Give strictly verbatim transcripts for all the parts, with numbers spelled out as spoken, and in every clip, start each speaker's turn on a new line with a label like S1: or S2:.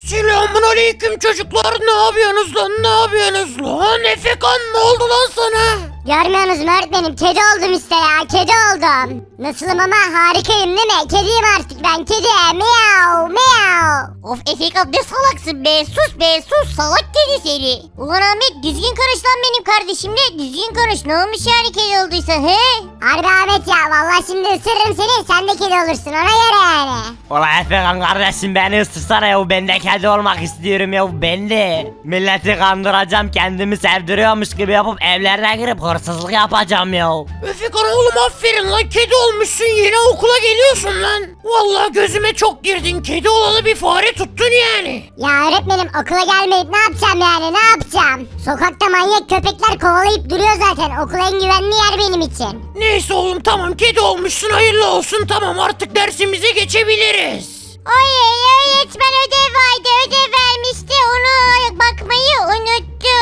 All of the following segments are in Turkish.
S1: Selamun aleyküm çocuklar, ne yapıyorsunuz lan, ne yapıyorsunuz lan? Efekan, ne oldu lan sana?
S2: Görmüyorsunuz mu öğretmenim? Kedi oldum işte ya. Kedi oldum. Nasılım ama harikayım değil mi? Kediyim artık ben. Kedi. Miau miau.
S3: Of Efekan ne salaksın be, sus be sus, salak kedi seni. Ulan Ahmet düzgün konuş lan benim kardeşimle, düzgün konuş, ne olmuş yani kedi olduysa he?
S2: Harbi Ahmet ya. Vallahi şimdi ısırırım seni. Sen de kedi olursun. Ona göre yani.
S4: Ulan Efekan kardeşim beni ısırsana ya, ben de kedi olmak istiyorum ya, ben de. Milleti kandıracağım, kendimi sevdiriyormuş gibi yapıp evlerine girip hırsızlık yapacağım ya.
S1: Efekan oğlum, aferin lan, kedi olmuşsun, yine okula geliyorsun lan. Vallahi gözüme çok girdin, kedi olalı bir fare tuttun yani.
S2: Ya öğretmenim okula gelmeyip ne yapacağım yani? Ne yapacağım? Sokakta manyak köpekler kovalayıp duruyor zaten. Okul en güvenli yer benim için.
S1: Neyse oğlum, tamam kedi olmuşsun, hayırlı olsun, tamam artık dersimize geçebiliriz.
S3: Oy öğretmen ödev vardı, ödev vermişti, onu bakmayı unuttu.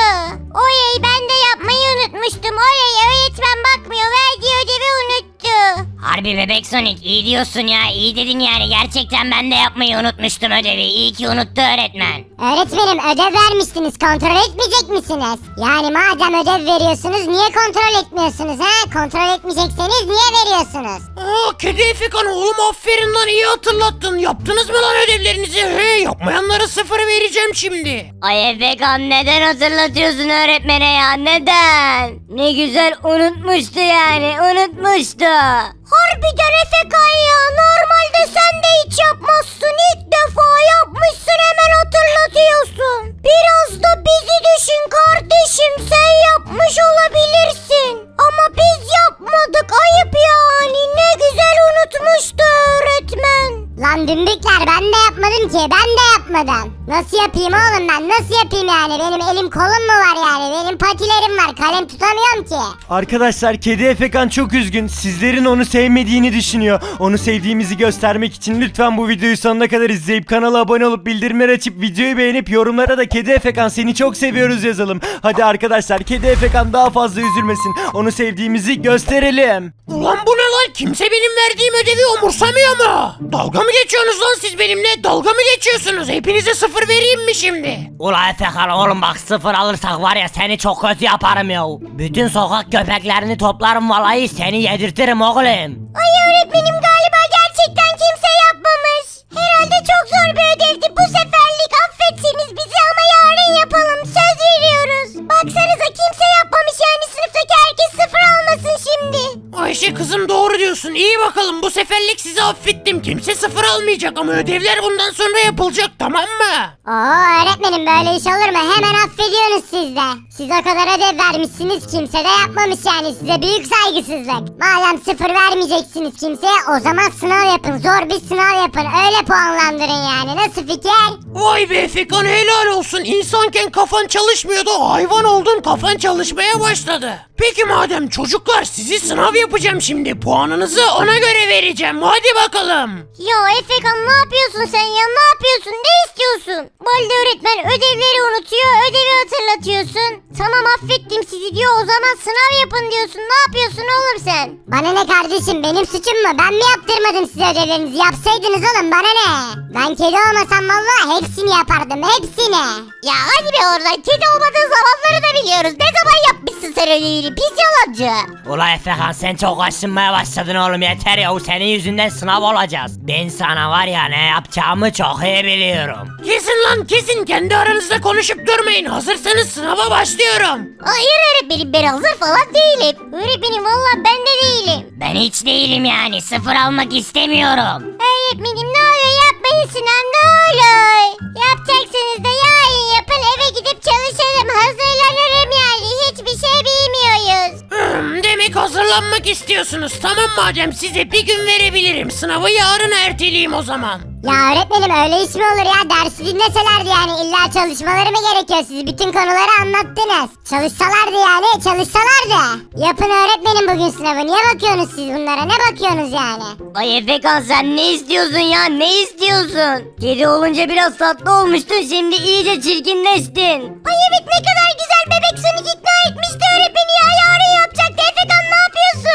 S3: Oy ben de yapmayı unutmuştum. Oy öğretmen bakmıyor, verdiği ödevi unuttu.
S5: Harbi bebek Sonic iyi diyorsun ya, iyi dedin yani, gerçekten ben de yapmayı unutmuştum ödevi, iyi ki unuttu öğretmen.
S2: Öğretmenim ödev vermiştiniz. Kontrol etmeyecek misiniz? Yani madem ödev veriyorsunuz niye kontrol etmiyorsunuz ha? Kontrol etmeyecekseniz niye veriyorsunuz?
S1: Aa, kedi Efekan oğlum, aferin lan, iyi hatırlattın. Yaptınız mı lan ödevlerinizi? He, yapmayanlara sıfır vereceğim şimdi.
S5: Ay Efekan neden hatırlatıyorsun öğretmene ya, neden? Ne güzel unutmuştu yani, unutmuştu.
S3: Harbiden Efekan ya, normalde sen de hiç yapmazsın, ilk defa yapmışsın, hemen hatırlatıyorsun. Biraz da bizi düşün kardeşim, sen yapmış olabilirsin. Ama biz yapmadık, ayıp yani, ne güzel unutmuştu öğretmen.
S2: Lan dümbükler, ben de yapmadım ki, ben de yapmadım. Nasıl yapayım oğlum ben, nasıl yapayım yani? Benim elim kolum mu var yani? Benim patilerim var, kalem tutamıyorum ki.
S6: Arkadaşlar kedi Efekan çok üzgün. Sizlerin onu sevmediğini düşünüyor. Onu sevdiğimizi göstermek için lütfen bu videoyu sonuna kadar izleyip kanala abone olup bildirimleri açıp videoyu beğenip yorumlara da kedi Efekan seni çok seviyoruz yazalım. Hadi arkadaşlar kedi Efekan daha fazla üzülmesin. Onu sevdiğimizi gösterelim.
S1: Ulan bu ne lan, kimse benim verdiğim ödevi umursamıyor mu? Dalga mı geçiyorsunuz lan siz benimle? Dalga mı geçiyorsunuz? Hepinize sıfır vereyim mi şimdi?
S4: Ulan Efekan oğlum bak, sıfır alırsak var ya seni çok kötü yaparım ya. Bütün sokak köpeklerini toplarım vallahi, seni yedirtirim oğlum.
S3: Ay öğretmenim galiba gerçekten kimse yapmamış. Herhalde çok zor bir ödevdi, bu seferlik affetseniz bizi ama yarın yapalım, söz veriyoruz. Baksanıza kimse yapmamış yani, sınıftaki herkes sıfır almasın şimdi.
S1: Ayşe kızım, doğru diyorsun. İyi bakalım, bu seferlik sizi affettim. Kimse sıfır almayacak ama ödevler bundan sonra yapılacak, tamam mı?
S2: Oo öğretmenim, böyle iş olur mu? Hemen affediyorsunuz siz de. Siz o kadar ödev vermişsiniz, kimse de yapmamış yani, size büyük saygısızlık. Madem sıfır vermeyeceksiniz kimseye, o zaman sınav yapın, zor bir sınav yapın, öyle puanlandırın yani. Nasıl fikir?
S1: Vay be Efekan, helal olsun. İnsanken kafan çalışmıyordu, hayvan oldun, kafan çalışmaya başladı. Peki madem çocuklar, sizi sınav yapacağım şimdi. Puanınızı ona göre vereceğim. Hadi bakalım.
S3: Ya Efekan ne yapıyorsun sen ya, ne yapıyorsun, ne istiyorsun? Balde öğretmen ödevleri unutuyor, ödevi hatırlatıyorsun. Tamam affettim sizi diyor, o zaman sınav yapın diyorsun, ne yapıyorsun oğlum sen?
S2: Bana ne kardeşim, benim suçum mu? Ben mi yaptırmadım size ödevlerinizi? Yapsaydınız oğlum, bana ne? Ben kedi olmasam vallahi hepsini yapardım, hepsini.
S3: Ya hadi be oradan, kedi olmadığın zamanları da biliyoruz. Ne zaman yapmışsın sen ödevini pis yalancı?
S4: Ulan Efekan sen çok aşınmaya başladın oğlum, yeter ya, senin yüzünden sınav olacağız. Ben sana var ya ne yapacağımı çok iyi biliyorum.
S1: Kesin lan kesin, kendi aranızda konuşup durmayın. Hazırsanız sınava başlıyorum.
S3: Hayır öğretmenim, ben hazır falan değilim. Öğretmenim valla ben de değilim.
S5: Ben hiç değilim yani, sıfır almak istemiyorum.
S3: Öğretmenim ne olur yapmayın sınav, ne olur. Yapacaksanız da yarın yapın, eve gidip çalışalım, hazırlanırım yani, hiçbir şey bilmiyoruz.
S1: Hmm, demek hazırlanmak istiyorsunuz. Tamam madem, size bir gün verebilirim. Sınavı yarın erteleyeyim o zaman.
S2: Ya öğretmenim, öyle iş mi olur ya? Dersi dinleselerdi yani, illa çalışmaları mı gerekiyor? Siz bütün konuları anlattınız. Çalışsalardı yani, çalışsalardı. Yapın öğretmenim bugün sınavı. Niye bakıyorsunuz siz bunlara? Ne bakıyorsunuz yani?
S5: Ay Efekan sen ne istiyorsun ya, ne istiyorsun? Kedi olunca biraz tatlı olmuştun, şimdi iyice çirkinleştin.
S3: Ay evet, ne kadar güzel bebek Sonic ikna etmişti öğretmeni ya, yarın yapacaktı. Efekan ne yapıyorsun?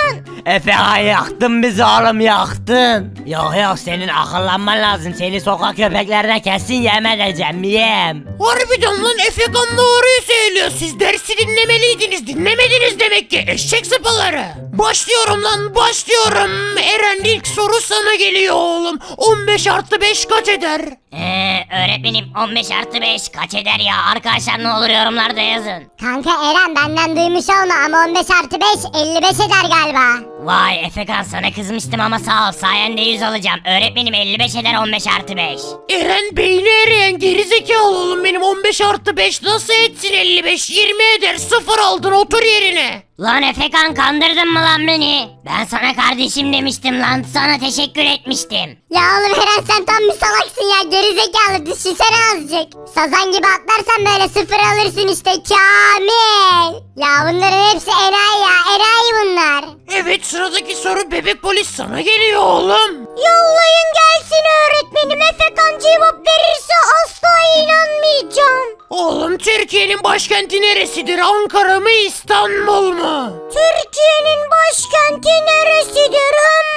S4: Efekan yaktın bizi oğlum yaktın. Yok yok senin akıllanman lazım. Seni sokak köpeklerine kesin yem edeceğim yem.
S1: Harbiden lan Efekan doğruyu söylüyor. Siz dersi dinlemeliydiniz. Dinlemediniz demek ki eşek sıpaları. Başlıyorum lan başlıyorum. Eren ilk soru sana geliyor oğlum. on beş artı beş kaç eder?
S5: Eee öğretmenim on beş artı beş kaç eder ya? Arkadaşlar ne olur yorumlarda yazın.
S2: Kanka Eren benden duymuş olma ama on beş artı beş elli beş eder galiba.
S5: Vay Efekan sana kızmıştım ama sağ ol sayende yüz alacağım. Öğretmenim elli beş eder on beş artı beş.
S1: Eren beyni eriyen gerizekalı oğlum benim on beş artı beş nasıl etsin elli beş yirmi eder sıfır aldın otur yerine.
S5: Lan Efekan kandırdın mı lan beni? Ben sana kardeşim demiştim lan sana teşekkür etmiştim.
S2: Ya oğlum Eren sen tam bir salaksın ya gerizekalı düşünsene azıcık. Sazan gibi atlarsan böyle sıfır alırsın işte Kamil. Ya bunların hepsi enayi ya enayi bunlar.
S1: Evet sıradaki soru bebek polis sana geliyor oğlum.
S3: Yollayın gelsin öğretmenim. Efekan cevap verirse asla inanmayacağım.
S1: Oğlum Türkiye'nin başkenti neresidir? Ankara mı İstanbul mu?
S3: Türkiye'nin başkenti neresidir?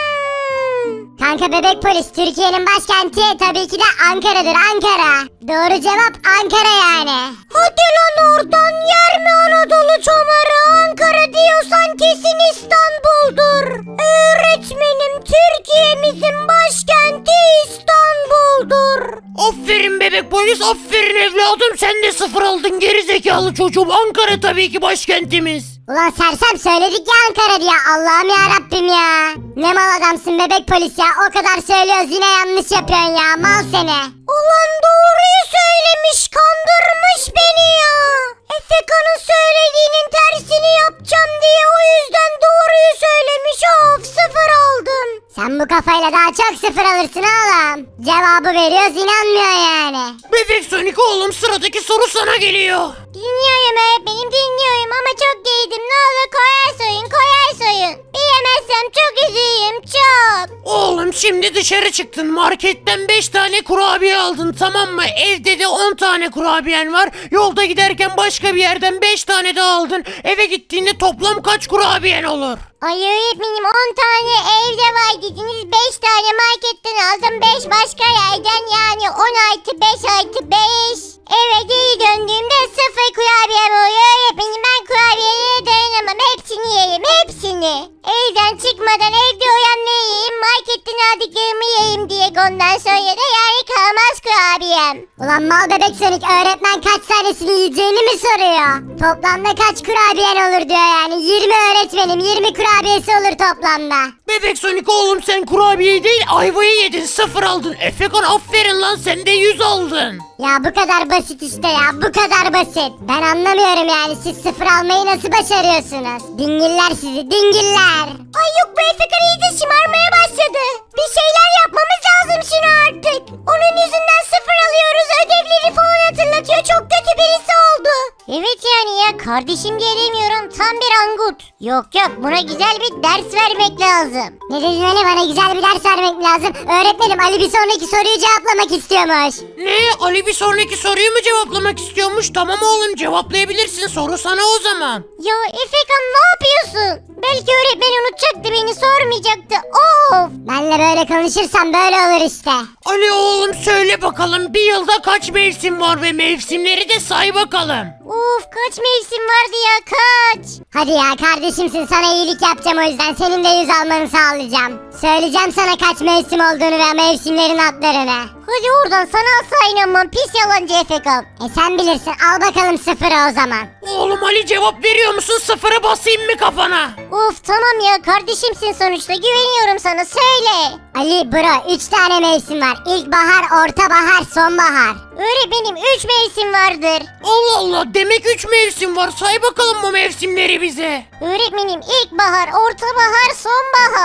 S3: Hmm.
S2: Kanka bebek polis Türkiye'nin başkenti tabii ki de Ankara'dır Ankara. Doğru cevap Ankara yani.
S3: Hadi lan oradan yer mi Anadolu çomarı? Ankara diyorsan kesin İstanbul'dur. Öğretmenim Türkiye'mizin başkenti İstanbul'dur.
S1: Aferin bebek polis aferin evladım sen de sıfır aldın gerizekalı çocuğum. Ankara tabii ki başkentimiz.
S2: Ulan sersem söyledik ya Ankara diye Allah'ım ya Rabbim ya. Ne mal adamsın bebek polis ya o kadar söylüyoruz yine yanlış yapıyorsun ya mal seni.
S3: Ulan doğruyu söylemiş kandırmış beni ya. Efekan'ın söylediğinin tersini yapacağım diye o yüzden doğruyu söylemiş of sıfır aldım.
S2: Sen bu kafayla daha çok sıfır alırsın oğlum. Cevabı veriyoruz inanmıyor yani.
S1: Bebek Sonic oğlum sıradaki soru sana geliyor.
S3: Dinliyorum öğretmenim dinliyorum ama çok giydim ne olur koyar soyun koyar soyun. Bilemezsem çok üzüyüm çok.
S1: Oğlum şimdi dışarı çıktın marketten beş tane kurabiye aldın tamam mı? Evde de on tane kurabiyen var. Yolda giderken başka bir yerden beş tane daha aldın. Eve gittiğinde toplam kaç kurabiyen olur?
S3: Ay öğretmenim on tane evde var dediniz beş tane marketten aldım beş başka yerden yani on artı beş artı beş. Eve geri döndüğümde sıfır kurabiyem oluyor öğretmenim ben kurabiyelere dayanamam hepsini yerim hepsini. Evden çıkmadan evde uyan ne yiyeyim marketten aldıklarımı yiyeyim diye ondan sonra da yani kalmaz kurabiyem.
S2: Ulan mal bebek Sonic öğretmen kaç tanesini yiyeceğini mi soruyor? Toplamda kaç kurabiyen olur diyor yani. yirmi öğretmenim yirmi kurabiyesi olur toplamda.
S1: Bebek Sonic oğlum sen kurabiye değil ayvayı yedin sıfır aldın. Efekan aferin lan sen de yüz aldın.
S2: Ya bu kadar basit işte ya bu kadar basit. Ben anlamıyorum yani siz sıfır almayı nasıl başarıyorsunuz? Dingiller sizi dingiller.
S3: Ay yok bu Efekan iyice şımarmaya başladı. Bir şeyler yapmamız lazım şunu artık. Onun yüzünden sıfır alıyoruz ödevleri falan hatırlatıyor çok kötü birisi oldu. Evet yani ya kardeşim gelemiyorum tam bir angut. Yok yok buna güzel bir ders vermek lazım.
S2: Ne dedin Ali bana güzel bir ders vermek lazım. Öğretmenim Ali bir sonraki soruyu cevaplamak istiyormuş.
S1: Ne Ali bir sonraki soruyu mu cevaplamak istiyormuş? Tamam oğlum cevaplayabilirsin soru sana o zaman.
S3: Ya Efekan ne yapıyorsun? Belki öğretmen unutacaktı beni sormayacaktı. Of.
S2: Benle böyle konuşursan böyle olur işte.
S1: Ali oğlum söyle bakalım bir yılda kaç mevsim var ve mevsimleri de say bakalım.
S3: Uf kaç mevsim vardı ya kaç.
S2: Hadi ya kardeşimsin sana iyilik yapacağım o yüzden senin de yüz almanı sağlayacağım. Söyleyeceğim sana kaç mevsim olduğunu ve mevsimlerin adlarını.
S3: Hadi oradan sana asla inanmam pis yalancı Efekan.
S2: E sen bilirsin al bakalım sıfırı o zaman.
S1: Oğlum Ali cevap veriyor musun sıfıra basayım mı kafana?
S3: Of tamam ya kardeşimsin sonuçta güveniyorum sana söyle.
S2: Ali bro üç tane mevsim var. İlkbahar, ortabahar, sonbahar.
S3: Öğretmenim üç mevsim vardır.
S1: Allah Allah demek üç mevsim var say bakalım bu mevsimleri bize.
S3: Öğretmenim ilkbahar, ortabahar, sonbahar.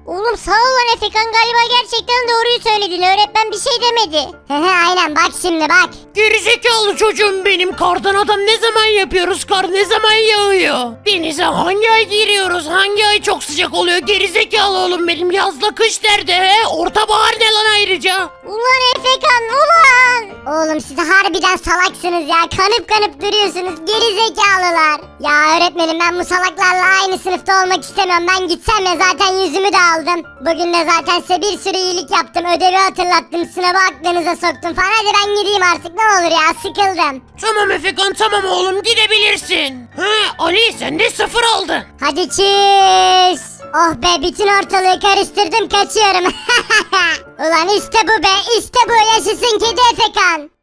S3: Oğlum sağ ol lan Efekan, galiba gerçekten doğruyu söyledin. Öğretmen bir şey demedi.
S2: Aynen bak şimdi bak.
S1: Gerizekalı çocuğum benim. Kardan adam ne zaman yapıyoruz? Kar ne zaman yağıyor? Denize hangi ay giriyoruz? Hangi ay çok sıcak oluyor? Gerizekalı oğlum benim. Yazla kış derdi he. Ortabahar ne lan ayrıca?
S3: Ulan Efekan ulan.
S2: Oğlum siz harbiden salaksınız ya. Kanıp kanıp duruyorsunuz geri zekalılar. Ya öğretmenim ben bu salaklarla aynı sınıfta olmak istemiyorum. Ben gitsem ya zaten yüzümü de aldım. Bugün de zaten size bir sürü iyilik yaptım. Ödevi hatırlattım. Sınavı aklınıza soktum falan. Hadi ben gideyim artık ne olur ya sıkıldım.
S1: Tamam Efekan tamam oğlum gidebilirsin. He Ali sen de sıfır aldın.
S2: Hadi çiz. Oh be bütün ortalığı karıştırdım kaçıyorum. Ulan işte bu be işte bu yaşasın kedi Efekan.